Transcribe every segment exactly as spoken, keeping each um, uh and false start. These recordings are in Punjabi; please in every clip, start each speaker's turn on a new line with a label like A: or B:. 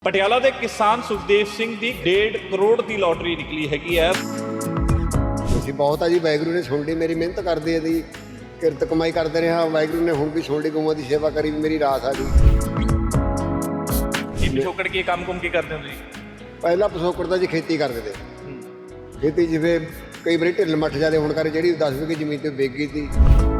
A: ਪਟਿਆਲਾ ਦੇ ਕਿਸਾਨ ਸੁਖਦੇਵ ਸਿੰਘ ਦੀ ਡੇਢ ਕਰੋੜ ਦੀ ਲੋਟਰੀ ਨਿਕਲੀ ਹੈਗੀ ਹੈ।
B: ਅਸੀਂ ਬਹੁਤ ਆ ਜੀ, ਵਾਹਿਗੁਰੂ ਨੇ ਸੁਣ ਲਈ ਮੇਰੀ ਮਿਹਨਤ ਕਰਦੇ ਦੀ ਕਿਰਤ ਕਮਾਈ ਕਰਦੇ ਰਿਹਾ। ਵਾਹਿਗੁਰੂ ਨੇ ਹੁਣ ਵੀ ਸੁਣ ਲਈ, ਗਊਆਂ ਦੀ ਸੇਵਾ ਕਰੀ, ਮੇਰੀ ਰਾਸ ਆ ਗਈ।
A: ਇਹ ਪਿਛੋਕੜ ਕੀ ਕੰਮ ਕੁਮ ਕੀ ਕਰਦੇ ਹੋ ਤੁਸੀਂ?
B: ਪਹਿਲਾਂ ਪਿਛੋਕੜ ਦਾ ਜੀ ਖੇਤੀ ਕਰਦੇ ਤੇ ਖੇਤੀ ਜਿਵੇਂ ਕਈ ਵਾਰੀ ਢਿੱਲ ਮੱਠ ਜਾਂਦੇ ਹੁਣ ਕਰ ਜਿਹੜੀ ਦਸ ਵੀਹ ਜ਼ਮੀਨ ਤੇ ਵਿਕ ਗਈ ਸੀ।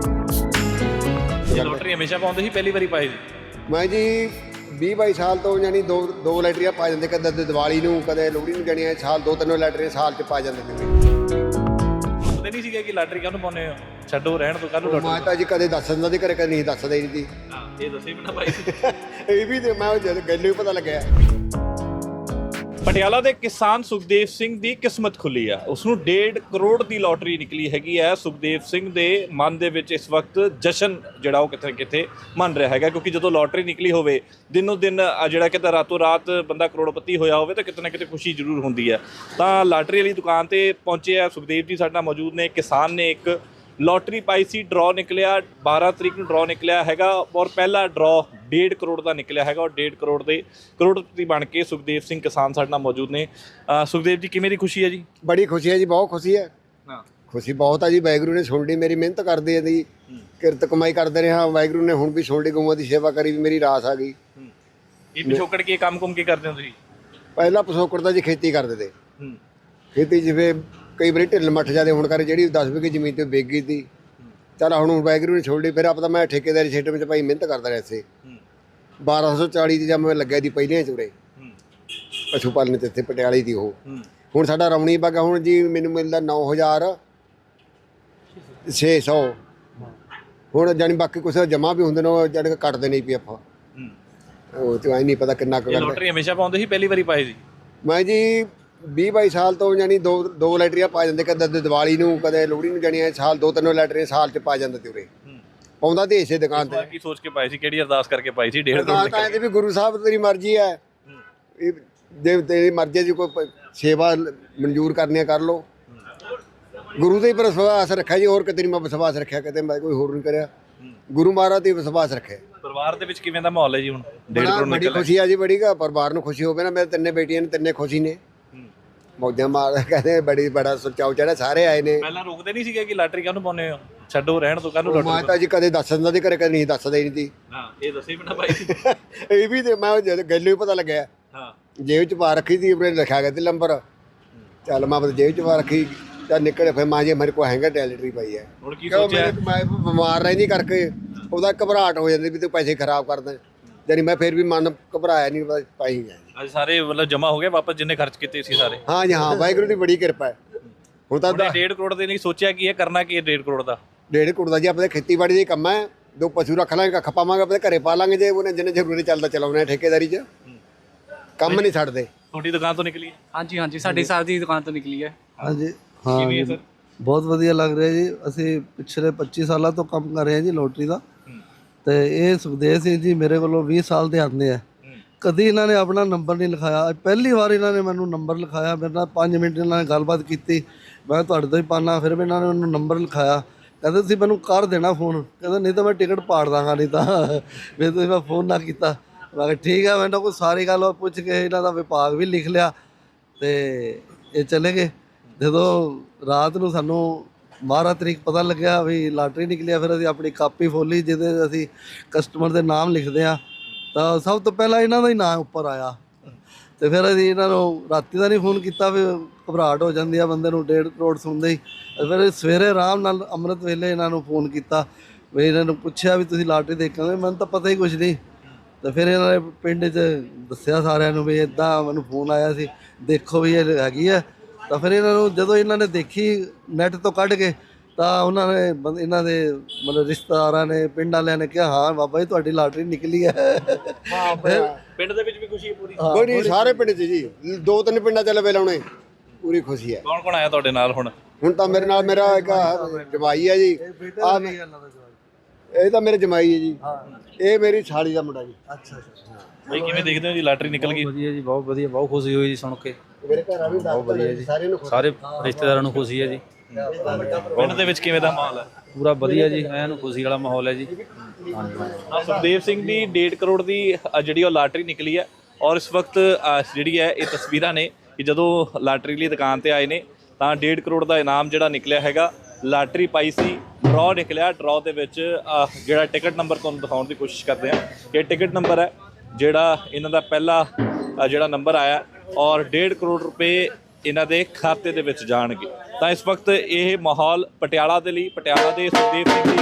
A: ਲੋਟਰੀ ਹਮੇਸ਼ਾ ਪਾਉਂਦੇ ਸੀ, ਪਹਿਲੀ ਵਾਰੀ ਪਾਈ ਸੀ
B: ਮੈਂ ਜੀ ਵੀਹ ਬਾਈ ਸਾਲ ਤੋਂ ਯਾਨੀ ਦੋ ਦੋ ਲੈਟਰੀਆਂ ਪਾ ਜਾਂਦੇ, ਕਦੇ ਦੀਵਾਲੀ ਨੂੰ ਕਦੇ ਲੋਹੜੀ ਨੂੰ, ਜਾਣੀਆਂ ਸਾਲ ਦੋ ਤਿੰਨ ਲੈਟਰੀਆਂ ਸਾਲ 'ਚ ਪਾ ਜਾਂਦੇ ਸੀ।
A: ਪਤਾ ਨਹੀਂ ਸੀਗਾ ਕਿ ਲਾਟਰੀ ਕਾਹਨੂੰ ਪਾਉਂਦੇ ਹੋ, ਛੱਡੋ ਰਹਿਣ ਤੋਂ ਕਾਹਨੂੰ ਲੋਟਰੀ।
B: ਮੈਂ ਤਾਂ ਜੀ ਕਦੇ ਦੱਸ ਦਿੰਦਾ ਸੀ, ਘਰੇ ਕਦੇ ਨਹੀਂ ਦੱਸਦਾ ਹੀ ਨਹੀਂ।
A: ਹਾਂ, ਇਹ ਦੱਸੇ ਬਿਨਾ ਪਾਈ ਸੀ।
B: ਇਹ ਵੀ ਤੇ ਮੈਂ ਜਦ ਗੱਲ ਹੀ ਪਤਾ ਲੱਗਿਆ।
A: ਪਟਿਆਲਾ ਦੇ ਕਿਸਾਨ ਸੁਖਦੇਵ ਸਿੰਘ ਦੀ ਕਿਸਮਤ ਖੁੱਲੀ ਆ, ਉਸ ਨੂੰ ਡੇਢ ਕਰੋੜ ਦੀ ਲੋਟਰੀ ਨਿਕਲੀ ਹੈਗੀ ਹੈ। ਸੁਖਦੇਵ ਸਿੰਘ ਦੇ ਮਨ ਦੇ ਵਿੱਚ ਇਸ ਵਕਤ ਜਸ਼ਨ ਜਿਹੜਾ ਉਹ ਕਿਤੇ ਕਿਤੇ ਮੰਨ ਰਿਹਾ ਹੈਗਾ, ਕਿਉਂਕਿ ਜਦੋਂ ਲੋਟਰੀ ਨਿਕਲੀ ਹੋਵੇ ਦਿਨੋਂ ਦਿਨ ਜਿਹੜਾ ਕਿਤੇ ਰਾਤੋਂ ਰਾਤ ਬੰਦਾ ਕਰੋੜਪਤੀ ਹੋਇਆ ਹੋਵੇ ਤਾਂ ਕਿਤੇ ਨਾ ਕਿਤੇ ਖੁਸ਼ੀ ਜ਼ਰੂਰ ਹੁੰਦੀ ਹੈ। ਤਾਂ ਲਾਟਰੀ ਵਾਲੀ ਦੁਕਾਨ ਤੇ ਪਹੁੰਚੇ ਆ ਸੁਖਦੇਵ ਜੀ ਸਾਡੇ ਨਾਲ ਮੌਜੂਦ ਨੇ। ਕਿਸਾਨ ਨੇ ਇੱਕ ਲੋਟਰੀ ਪਾਈ ਸੀ, ਡਰਾਅ ਨਿਕਲਿਆ, ਬਾਰਾਂ ਤਰੀਕ ਨੂੰ ਡਰਾਅ ਨਿਕਲਿਆ ਹੈਗਾ ਔਰ ਪਹਿਲਾ ਡਰਾਅ ਡੇਢ ਕਰੋੜ ਦਾ ਨਿਕਲਿਆ ਹੈਗਾ ਔਰ ਡੇਢ ਕਰੋੜ ਦੇ ਕਰੋੜਪਤੀ ਬਣ ਕੇ ਸੁਖਦੇਵ ਸਿੰਘ ਕਿਸਾਨ ਸਾਡੇ ਨਾਲ ਮੌਜੂਦ ਨੇ। ਸੁਖਦੇਵ ਜੀ, ਕਿਵੇਂ ਦੀ ਖੁਸ਼ੀ ਹੈ ਜੀ?
B: ਬੜੀ ਖੁਸ਼ੀ ਹੈ ਜੀ, ਬਹੁਤ ਖੁਸ਼ੀ ਹੈ।
A: ਹਾਂ, ਖੁਸ਼ੀ
B: ਬਹੁਤ ਆ ਜੀ, ਵਾਹਿਗੁਰੂ ਨੇ ਸੁਣ ਲਈ ਮੇਰੀ ਮਿਹਨਤ ਕਰਦੇ ਦੀ ਕਿਰਤ ਕਮਾਈ ਕਰਦੇ ਰਿਹਾ। ਵਾਹਿਗੁਰੂ ਨੇ ਹੁਣ ਵੀ ਸੁਣ ਲਈ, ਗਊਆਂ ਦੀ ਸੇਵਾ ਕਰੀ, ਮੇਰੀ ਰਾਸ ਆ ਗਈ।
A: ਇਹ ਪਿਛੋਕੜ ਕੀ ਕੰਮ ਕੁਮ ਕੀ ਕਰਦੇ ਹੋ ਤੁਸੀਂ?
B: ਪਹਿਲਾਂ ਪਿਛੋਕੜ ਦਾ ਜੀ ਖੇਤੀ ਕਰਦੇ ਤੇ ਖੇਤੀ ਜਿਵੇਂ ਕਈ ਵਾਰੀ ਢਿੱਲ ਮੱਠ ਜਾਂਦੇ ਹੁਣ ਕਰ ਜਿਹੜੀ ਦਸ ਵੀਹ ਜ਼ਮੀਨ ਤੇ ਵਿਕ ਗਈ ਸੀ। ਚੱਲ ਹੁਣ ਵਾਹਿਗੁਰੂ ਨੇ ਛੋੜ ਲਈ, ਫਿਰ ਆਪਾਂ ਤਾਂ ਮੈਂ ਠੇਕੇਦਾਰੀ ਖੇਤਰ ਵਿੱਚ ਭਾਈ ਮਿਹਨਤ ਕਰਦਾ ਰਿਹਾ ਸੀ। ਬਾਰਾਂ ਸੌ ਚਾਲੀ ਦੀ ਜਦ ਮੈਂ ਲੱਗਿਆ ਦੀ ਪਹਿਲੀਆਂ ਚੁਰੇ ਪਸ਼ੂ ਪਾਲਣ ਤੇ ਇੱਥੇ ਪਟਿਆਲੇ ਦੀ। ਉਹ ਹੁਣ ਸਾਡਾ ਰਮਣੀ ਬਾਗਾ ਹੁਣ ਜੀ ਮੈਨੂੰ ਮਿਲਦਾ ਨੌ ਹਜ਼ਾਰ ਛੇ ਸੌ। ਹੁਣ ਜਾਣੀ ਬਾਕੀ ਕੁਛ ਜਮ੍ਹਾਂ ਵੀ ਹੁੰਦੇ ਨੇ, ਉਹ ਜਾਣੀ ਕੱਟਦੇ ਨਹੀਂ ਪਈ ਆਪਾਂ, ਉਹ ਤੇ ਐ ਨਹੀਂ ਪਤਾ ਕਿੰਨਾ ਕੁ ਕਰਦੇ।
A: ਲੋਟਰੀ ਹਮੇਸ਼ਾ ਪਾਉਂਦੇ ਸੀ, ਪਹਿਲੀ ਵਾਰੀ ਪਾਈ ਸੀ
B: ਮੈਂ ਜੀ ਵੀਹ ਬਾਈ ਸਾਲ ਤੋਂ ਜਾਣੀ ਦੋ ਦੋ ਲੈਟਰੀਆਂ ਪਾ ਜਾਂਦੇ, ਕਦੇ ਦੀਵਾਲੀ ਨੂੰ ਕਦੇ ਲੋਹੜੀ ਨੂੰ, ਜਾਣੀਆਂ ਸਾਲ ਦੋ ਤਿੰਨ ਲੈਟਰੀਆਂ ਸਾਲ 'ਚ ਪਾ ਜਾਂਦੇ ਤੇ ਉਰੇ ਪਾਉਂਦਾ ਤੇ ਇਸੇ ਦੁਕਾਨ ਤੇ।
A: ਕੀ ਸੋਚ ਕੇ ਪਾਈ ਸੀ, ਕਿਹੜੀ ਅਰਦਾਸ ਕਰਕੇ ਪਾਈ ਸੀ? ਡੇਢ ਕਰੋੜ
B: ਤਾਂ ਇਹਦੇ ਵੀ ਗੁਰੂ ਸਾਹਿਬ ਤੇਰੀ ਮਰਜ਼ੀ ਹੈ, ਇਹ ਜੇ ਤੇਰੀ ਮਰਜ਼ੀ ਜੀ ਕੋਈ ਸੇਵਾ ਮਨਜ਼ੂਰ ਕਰਨੀ ਕਰ ਲਓ। ਗੁਰੂ ਦੇ ਪਰ ਵਿਸ਼ਵਾਸ ਰੱਖਿਆ ਜੀ, ਹੋਰ ਕਿਤੇ ਨਹੀਂ ਮੈਂ ਵਿਸ਼ਵਾਸ ਰੱਖਿਆ, ਕਿਤੇ ਮੈਂ ਕੋਈ ਹੋਰ ਨਹੀਂ ਕਰਿਆ। ਗੁਰੂ ਮਹਾਰਾਜ ਤੇ ਵਿਸ਼ਵਾਸ ਰੱਖਿਆ।
A: ਪਰਿਵਾਰ ਦੇ ਵਿੱਚ ਕਿਵੇਂ ਦਾ ਮਾਹੌਲ ਹੈ ਜੀ ਹੁਣ? ਡੇਢ ਕਰੋੜ
B: ਬੜੀ ਖੁਸ਼ੀ ਆ ਜੀ, ਬੜੀ ਗਾ ਪਰਿਵਾਰ ਨੂੰ ਖੁਸ਼ੀ ਹੋਵੇ ਨਾ। ਮੇਰੇ ਤਿੰਨੇ ਬੇਟੀਆਂ ਨੇ, ਤਿੰਨੇ ਖੁਸ਼ੀ ਨੇ, ਮੌਜਾਂ ਮਾਰ ਕਹਿੰਦੇ ਬੜੀ ਬੜਾ ਸੁਚਾਉ ਚੜਾ, ਸਾਰੇ ਆਏ ਨੇ।
A: ਪਹਿਲਾਂ ਰੋਕਦੇ ਨਹੀਂ ਸੀਗੇ ਕਿ ਲਾਟਰੀ ਕਾਹਨੂੰ ਪਾਉਂਦੇ ਹੋ, ਛੱਡੋ ਰਹਿਣ ਤੋਂ ਕਾਹਨੂੰ ਲੋਟਰੀ।
B: ਮੈਂ ਤਾਂ ਜੀ ਕਦੇ ਦੱਸ ਦਿੰਦਾ ਸੀ, ਘਰੇ ਕਦੇ ਨਹੀਂ ਦੱਸਦਾ ਹੀ ਨਹੀਂ।
A: ਹਾਂ, ਇਹ ਦੱਸੇ ਬਿਨਾ ਪਾਈ ਸੀ।
B: ਇਹ ਵੀ ਤੇ ਮੈਂ ਜਦ ਗੱਲ ਹੀ ਪਤਾ ਲੱਗਿਆ।
A: ਹਾਂ,
B: ਜੇਬ 'ਚ ਪਾ ਰੱਖੀ ਸੀ, ਆਪਣੇ ਲਿਖਿਆ ਗਿਆ ਤੇ ਨੰਬਰ। ਚੱਲ ਮੈਂ ਬਸ ਜੇਬ 'ਚ ਪਾ ਰੱਖੀ, ਚੱਲ ਨਿਕਲੇ। ਫਿਰ ਮਾਂ ਜੀ ਮੇਰੇ ਕੋਲ ਹੈਗਾ ਟੈਲਟਰੀ ਪਈ ਹੈ।
A: ਹੁਣ ਕੀ ਸੋਚਿਆ?
B: ਮੈਂ ਬਿਮਾਰ ਰਹਿੰਦੀ ਕਰਕੇ ਉਹਦਾ ਘਬਰਾਹਟ ਹੋ ਜਾਂਦੀ ਵੀ ਤੂੰ ਪੈਸੇ ਖਰਾਬ ਕਰਦਾ, ਜਾਨੀ ਮੈਂ ਫਿਰ ਵੀ ਮਨ ਘਬਰਾਇਆ ਨਹੀਂ, ਬਸ ਪਾਈ ਗਿਆ।
A: ਅੱਜ ਸਾਰੇ ਮਤਲਬ ਜਮਾ ਹੋ ਗਏ ਵਾਪਸ, ਜਿੰਨੇ ਖਰਚ ਕੀਤੇ ਸੀ ਸਾਰੇ?
B: ਹਾਂ ਜੀ ਹਾਂ, ਵਾਹਿਗੁਰੂ ਦੀ ਬੜੀ ਕਿਰਪਾ ਹੈ। ਹੁਣ ਤਾਂ
A: ਡੇਢ ਕਰੋੜ ਦੇ ਲਈ ਸੋਚਿਆ ਕੀ ਇਹ ਕਰਨਾ ਕੀ ਹੈ ਡੇਢ ਕਰੋੜ ਦਾ?
B: ਡੇਢ ਕਰੋੜ ਦਾ ਜੀ ਆਪਣੇ ਖੇਤੀਬਾੜੀ ਦਾ ਕੰਮ ਹੈ। ਦੋ ਪਸ਼ੂ ਰੱਖ ਲਾਂਗੇ, ਕੱਖ ਪਾਵਾਂਗੇ, ਆਪਣੇ ਘਰੇ ਪਾ ਲਾਂਗੇ। ਜੇ ਉਹਨੇ ਜਿੰਨੇ ਜ਼ਰੂਰੀ ਚੱਲਦਾ ਚਲਾਉਣਾ ਠੇਕੇਦਾਰੀ 'ਚ, ਕੰਮ ਨਹੀਂ ਛੱਡਦੇ।
A: ਤੁਹਾਡੀ ਦੁਕਾਨ ਤੋਂ ਨਿਕਲੀ?
C: ਹਾਂਜੀ ਹਾਂਜੀ, ਸਾਡੀ ਸਾਹਿਬ ਦੀ ਦੁਕਾਨ ਤੋਂ ਨਿਕਲੀ ਹੈ।
D: ਹਾਂਜੀ ਹਾਂ,
A: ਕਿਵੇਂ ਹੈ ਸਰ?
D: ਬਹੁਤ ਵਧੀਆ ਲੱਗ ਰਿਹਾ ਜੀ। ਅਸੀਂ ਪਿਛਲੇ ਪੱਚੀ ਸਾਲਾਂ ਤੋਂ ਕੰਮ ਕਰ ਰਹੇ ਹਾਂ ਜੀ ਲੋਟਰੀ ਦਾ। ਤੇ ਇਹ ਸੁਖਦੇਵ ਸਿੰਘ ਜੀ ਮੇਰੇ ਕੋਲੋਂ ਵੀਹ ਸਾਲ ਦੇ ਆਉਂਦੇ ਆ, ਕਦੀ ਇਹਨਾਂ ਨੇ ਆਪਣਾ ਨੰਬਰ ਨਹੀਂ ਲਿਖਾਇਆ। ਪਹਿਲੀ ਵਾਰ ਇਹਨਾਂ ਨੇ ਮੈਨੂੰ ਨੰਬਰ ਲਿਖਾਇਆ, ਮੇਰੇ ਨਾਲ ਪੰਜ ਮਿੰਟ ਇਹਨਾਂ ਨੇ ਗੱਲਬਾਤ ਕੀਤੀ। ਮੈਂ ਤੁਹਾਡੇ ਤੋਂ ਹੀ ਪਾਣਾ, ਫਿਰ ਵੀ ਇਹਨਾਂ ਨੇ ਉਹਨੂੰ ਨੰਬਰ ਲਿਖਾਇਆ। ਕਹਿੰਦੇ ਤੁਸੀਂ ਮੈਨੂੰ ਕਰ ਦੇਣਾ ਫੋਨ, ਕਹਿੰਦਾ ਨਹੀਂ ਤਾਂ ਮੈਂ ਟਿਕਟ ਪਾੜ ਦਾਂਗਾ, ਨਹੀਂ ਤਾਂ ਫਿਰ ਤੁਸੀਂ ਮੈਂ ਫੋਨ ਨਾ ਕੀਤਾ। ਮੈਂ ਕਿਹਾ ਠੀਕ ਹੈ। ਮੈਨੂੰ ਕੋਈ ਸਾਰੀ ਗੱਲ ਪੁੱਛ ਕੇ ਇਹਨਾਂ ਦਾ ਵਿਭਾਗ ਵੀ ਲਿਖ ਲਿਆ ਤੇ ਇਹ ਚਲੇ ਗਏ। ਜਦੋਂ ਰਾਤ ਨੂੰ ਸਾਨੂੰ ਬਾਰਾਂ ਤਰੀਕ ਪਤਾ ਲੱਗਿਆ ਵੀ ਲਾਟਰੀ ਨਿਕਲਿਆ, ਫਿਰ ਅਸੀਂ ਆਪਣੀ ਕਾਪੀ ਖੋਲ੍ਹੀ ਜਿਹਦੇ ਅਸੀਂ ਕਸਟਮਰ ਦੇ ਨਾਮ ਲਿਖਦੇ ਹਾਂ, ਤਾਂ ਸਭ ਤੋਂ ਪਹਿਲਾਂ ਇਹਨਾਂ ਦਾ ਹੀ ਨਾਮ ਉੱਪਰ ਆਇਆ। ਤੇ ਫਿਰ ਅਸੀਂ ਇਹਨਾਂ ਨੂੰ ਰਾਤੀ ਦਾ ਨਹੀਂ ਫੋਨ ਕੀਤਾ, ਫਿਰ ਘਬਰਾਹਟ ਹੋ ਜਾਂਦੀ ਆ ਬੰਦੇ ਨੂੰ ਡੇਢ ਕਰੋੜ ਸੁਣਦੇ ਹੀ। ਫਿਰ ਸਵੇਰੇ ਆਰਾਮ ਨਾਲ ਅੰਮ੍ਰਿਤ ਵੇਲੇ ਇਹਨਾਂ ਨੂੰ ਫੋਨ ਕੀਤਾ, ਵੀ ਇਹਨਾਂ ਨੂੰ ਪੁੱਛਿਆ ਵੀ ਤੁਸੀਂ ਲਾਟਰੀ ਦੇਖੋਗੇ? ਮੈਨੂੰ ਤਾਂ ਪਤਾ ਹੀ ਕੁਛ ਨਹੀਂ। ਤੇ ਫਿਰ ਇਹਨਾਂ ਨੇ ਪਿੰਡ 'ਚ ਦੱਸਿਆ ਸਾਰਿਆਂ ਨੂੰ ਵੀ ਇੱਦਾਂ ਮੈਨੂੰ ਫੋਨ ਆਇਆ ਸੀ, ਦੇਖੋ ਵੀ ਇਹ ਹੈਗੀ ਹੈ। ਤਾਂ ਫਿਰ ਇਹਨਾਂ ਨੂੰ ਜਦੋਂ ਇਹਨਾਂ ਨੇ ਦੇਖੀ ਨੈੱਟ ਤੋਂ ਕੱਢ ਕੇ, ਤਾਂ ਉਹਨਾਂ ਨੇ ਇਹਨਾਂ ਦੇ ਮਤਲਬ ਰਿਸ਼ਤੇਦਾਰਾਂ ਨੇ, ਪਿੰਡ ਵਾਲਿਆਂ ਨੇ ਕਿਹਾ ਹਾਂ ਬਾਬਾ ਜੀ ਤੁਹਾਡੀ ਲਾਟਰੀ ਨਿਕਲੀ ਹੈ।
A: ਪਿੰਡ ਦੇ ਵਿੱਚ ਵੀ ਖੁਸ਼ੀ ਹੈ ਪੂਰੀ?
B: ਬੜੀ ਸਾਰੇ ਪਿੰਡ 'ਚ ਜੀ, ਦੋ ਤਿੰਨ ਪਿੰਡਾਂ 'ਚ ਲਵੇ ਲਾਉਣੇ, ਪੂਰੀ ਖੁਸ਼ੀ ਹੈ।
A: ਕੌਣ ਕੌਣ ਆਇਆ ਤੁਹਾਡੇ ਨਾਲ ਹੁਣ?
B: ਹੁਣ ਤਾਂ ਮੇਰੇ ਨਾਲ ਮੇਰਾ ਇੱਕ ਜਮਾਈ ਹੈ ਜੀ, ਆ ਇਹ ਤਾਂ ਮੇਰੇ ਜਮਾਈ ਹੈ ਜੀ, ਇਹ ਮੇਰੀ ਸਾਲੀ ਦਾ ਮੁੰਡਾ ਜੀ।
D: ਅੱਛਾ ਅੱਛਾ।
A: ਬਈ ਕਿਵੇਂ ਦੇਖਦੇ ਹੋ ਜੀ ਲਾਟਰੀ ਨਿਕਲ ਗਈ?
C: ਵਧੀਆ ਜੀ, ਬਹੁਤ ਵਧੀਆ, ਬਹੁਤ ਖੁਸ਼ੀ ਹੋਈ ਜੀ ਸੁਣ ਕੇ।
B: ਮੇਰੇ ਘਰ ਆ ਵੀ ਬਹੁਤ ਵਧੀਆ ਜੀ, ਸਾਰਿਆਂ ਨੂੰ
C: ਸਾਰੇ ਰਿਸ਼ਤੇਦਾਰਾਂ ਨੂੰ ਖੁਸ਼ੀ ਹੈ ਜੀ।
A: ਪਿੰਡ ਦੇ ਵਿੱਚ ਕਿਵੇਂ ਦਾ ਮਾਹੌਲ ਹੈ?
C: ਪੂਰਾ ਵਧੀਆ ਜੀ, ਐਨ ਖੁਸ਼ੀ ਵਾਲਾ ਮਾਹੌਲ ਹੈ ਜੀ।
A: ਸੁਖਦੇਵ ਸਿੰਘ ਦੀ ਡੇਢ ਕਰੋੜ ਦੀ ਜਿਹੜੀ ਉਹ ਲਾਟਰੀ ਨਿਕਲੀ ਹੈ, ਔਰ ਇਸ ਵਕਤ ਅ, ਜਿਹੜੀ ਹੈ ਇਹ ਤਸਵੀਰਾਂ ਨੇ ਕਿ ਜਦੋਂ ਲਾਟਰੀ ਲਈ ਦੁਕਾਨ ਤੇ ਆਏ ਨੇ ਤਾਂ ਡੇਢ ਕਰੋੜ ਦਾ ਇਨਾਮ ਜਿਹੜਾ ਨਿਕਲਿਆ ਹੈਗਾ। ਲਾਟਰੀ ਪਾਈ ਸੀ, ਡਰਾਅ ਨਿਕਲਿਆ। ਡਰਾਅ ਦੇ ਵਿੱਚ ਅ, ਜਿਹੜਾ ਟਿਕਟ ਨੰਬਰ ਤੁਹਾਨੂੰ ਦਿਖਾਉਣ ਦੀ ਕੋਸ਼ਿਸ਼ ਕਰਦੇ ਹਾਂ। ਇਹ ਟਿਕਟ ਨੰਬਰ ਹੈ ਜਿਹੜਾ ਇਹਨਾਂ ਦਾ ਪਹਿਲਾ ਅ, ਜਿਹੜਾ ਨੰਬਰ ਆਇਆ ਔਰ ਡੇਢ ਕਰੋੜ ਰੁਪਏ ਇਹਨਾਂ ਦੇ ਖਾਤੇ ਦੇ ਵਿੱਚ ਜਾਣਗੇ। ਤਾਂ ਇਸ ਵਕਤ ਇਹ ਮਾਹੌਲ ਪਟਿਆਲਾ ਦੇ ਲਈ, ਪਟਿਆਲਾ ਦੇ ਸੁਖਦੇਵ ਸਿੰਘ ਦੀ